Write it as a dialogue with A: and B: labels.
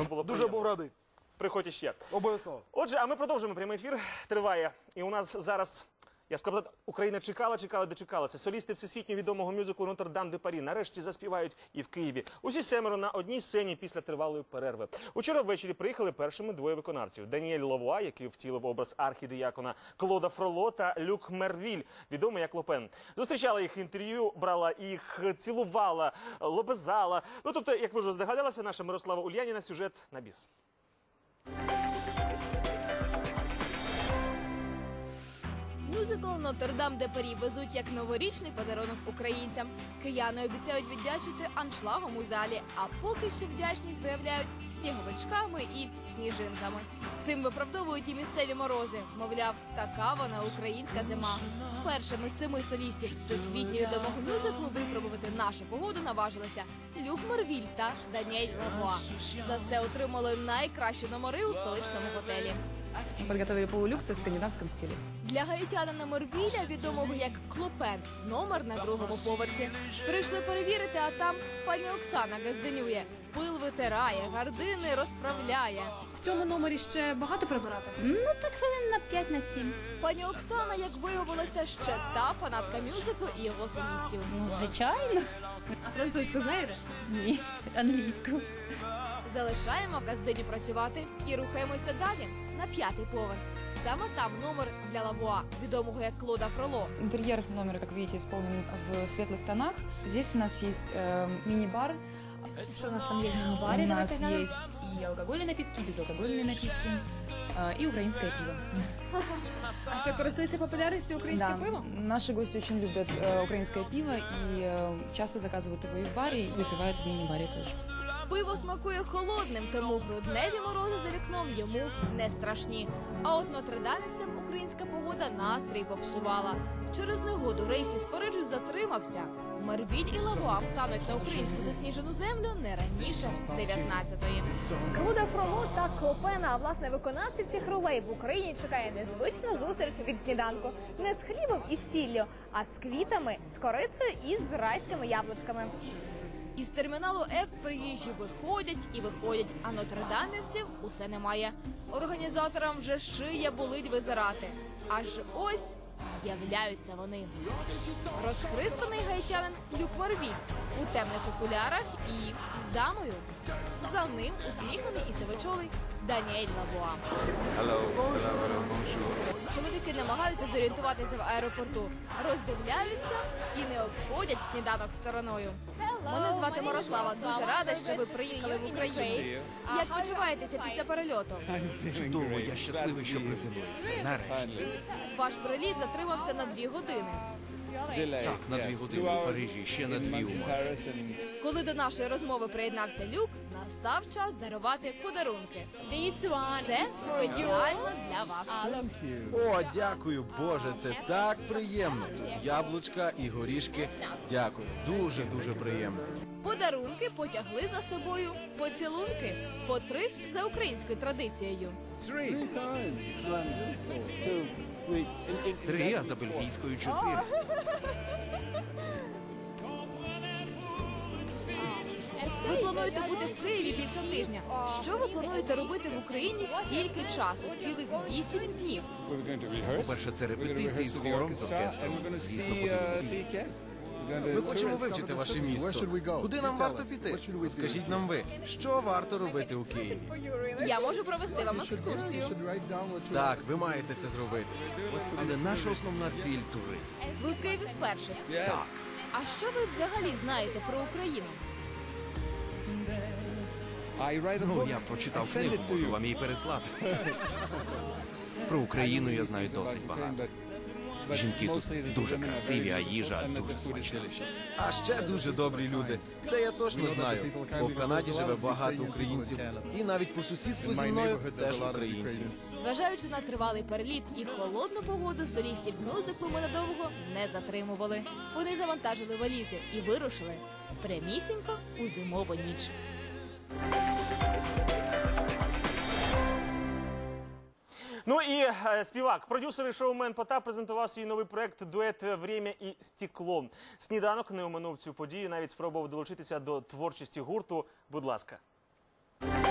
A: Дуже був радий.
B: Приходь іще.
A: Обов'язково.
B: Отже, а ми продовжуємо. Прямий ефір триває. І у нас зараз, я сказав, Україна чекала, дочекалася. Солісти всесвітньо відомого мюзиклу «Нотр-Дам де Парі» нарешті заспівають і в Києві. Усі семеро на одній сцені після тривалої перерви. Учора ввечері приїхали першими двоє виконавців. Даніель Лавуа, який втілив образ архідіякона Клода Фроло, та Люк Мервіль, відомий як Лопен. Зустрічала їх інтерв'ю, брала їх, цілувала, лобезала. Ну, тобто, як ви вже здогадалися, наша Мирослава Ульяніна, сюжет на біс.
C: Мюзикл «Нотр-Дам де Парі» везуть як новорічний подарунок українцям. Кияни обіцяють віддячити аншлагом у залі, а поки що вдячність виявляють сніговичками і сніжинками. Цим виправдовують і місцеві морози. Мовляв, така вона українська зима. Першими з 7 солістів всесвітньо відомого мюзиклу випробувати нашу погоду наважилися Люк Мервіль та Даніель Лавуа. За це отримали найкращі номери у столичному готелі.
D: Подготовили полулюксы в скандинавском стиле.
C: Для гаїтянина Мервіля, відомого як Клопен, номер на 2-му поверсі. Прийшли перевірити, а там пані Оксана газденює. Пил витирає, гардини розправляє.
D: В цьому номері ще багато прибирати?
E: Ну, так хвилин на 5-7.
C: Пані Оксана, як виявилося, ще та фанатка мюзиклу і його солістів.
E: Ну, звичайно.
D: А французьку знаєте?
E: Ні, англійську.
C: Залишаємо газдині працювати і рухаємося далі, на 5-й поверх. Саме там номер для Лавуа, відомого як Клода Фроло.
D: Интерьер номера, как видите, исполнен в светлых тонах. Здесь у нас есть мини-бар.
E: Что у нас там есть в мини-баре?
D: У
E: Давай,
D: нас
E: тогда.
D: есть и алкогольные напитки, безалкогольные напитки, и украинское пиво.
C: А що користується популярністю українське пиво?
D: Наши гости очень любят украинское пиво и часто заказывают его и в баре, и выпивают в мини-баре тоже.
C: Пиво смакує холодним, тому грудневі морози за вікном йому не страшні. А от нотридамівцям українська погода настрій попсувала. Через негоду рейс із Парижу затримався. Мервіль і Лавуа встануть на українську засніжену землю не раніше 19-ї.
F: Клода Фроло та Клопена, а власне виконавців цих ролей в Україні чекає незвична зустріч від сніданку. Не з хлібом і сіллю, а з квітами, з корицею і з райськими яблучками.
C: Із терміналу F приїжджі виходять і виходять, а нотридамівців усе немає. Організаторам вже шия болить визирати. Аж ось з'являються вони. Розхристаний гаїтянин Люк Мервіль у темних окулярах і з дамою. За ним усміхнений і сивочолий Даніель Лавуа. Чоловіки намагаються зорієнтуватися в аеропорту, роздивляються і не обходять сніданок стороною. Мене звати Мирослава. Дуже рада, що ви приїхали в Україну. Як почуваєтеся після перельоту?
G: Чудово, я щасливий, що приземлився. Нарешті.
C: Ваш приліт затримався на 2 години.
G: Так, на 2 години у Парижі, ще на 2 у Москві.
C: Коли до нашої розмови приєднався Люк, настав час дарувати подарунки. Це спеціально для вас.
H: О, дякую, Боже, це так приємно. Тут яблучка і горішки. Дякую, дуже приємно.
C: Подарунки потягли за собою поцілунки. По 3 за українською традицією.
G: 3, а за бельгійською 4.
C: Ви плануєте бути в Києві більше тижня. Що ви плануєте робити в Україні стільки часу? Цілих 8 днів.
G: По-перше, це репетиції з хором, з оркестром. Звісно, подивимося.
H: Ми хочемо вивчити ваше місто. Куди нам варто піти? Скажіть нам ви, що варто робити у Києві?
C: Я можу провести вам екскурсію.
H: Так, ви маєте це зробити.
G: Але наша основна ціль – туризм.
C: Ви в Києві вперше.
G: Так.
C: А що ви взагалі знаєте про Україну?
G: Ну, я прочитав книгу, можу вам її переслати. Про Україну я знаю досить багато. Жінки тут дуже красиві, а їжа дуже смачна.
H: А ще дуже добрі люди. Це я точно знаю. Бо в Канаді живе багато українців. І навіть по сусідству зі мною теж українці.
C: Зважаючи на тривалий переліт і холодну погоду, солістів мюзиклу ми надовго не затримували. Вони завантажили валізи і вирушили прямісінько у зимову ніч.
B: Ну і співак, продюсер і шоумен Потап презентував свій новий проект «Дует «Время і стекло». Сніданок не оминув цю подію, навіть спробував долучитися до творчості гурту. Будь ласка.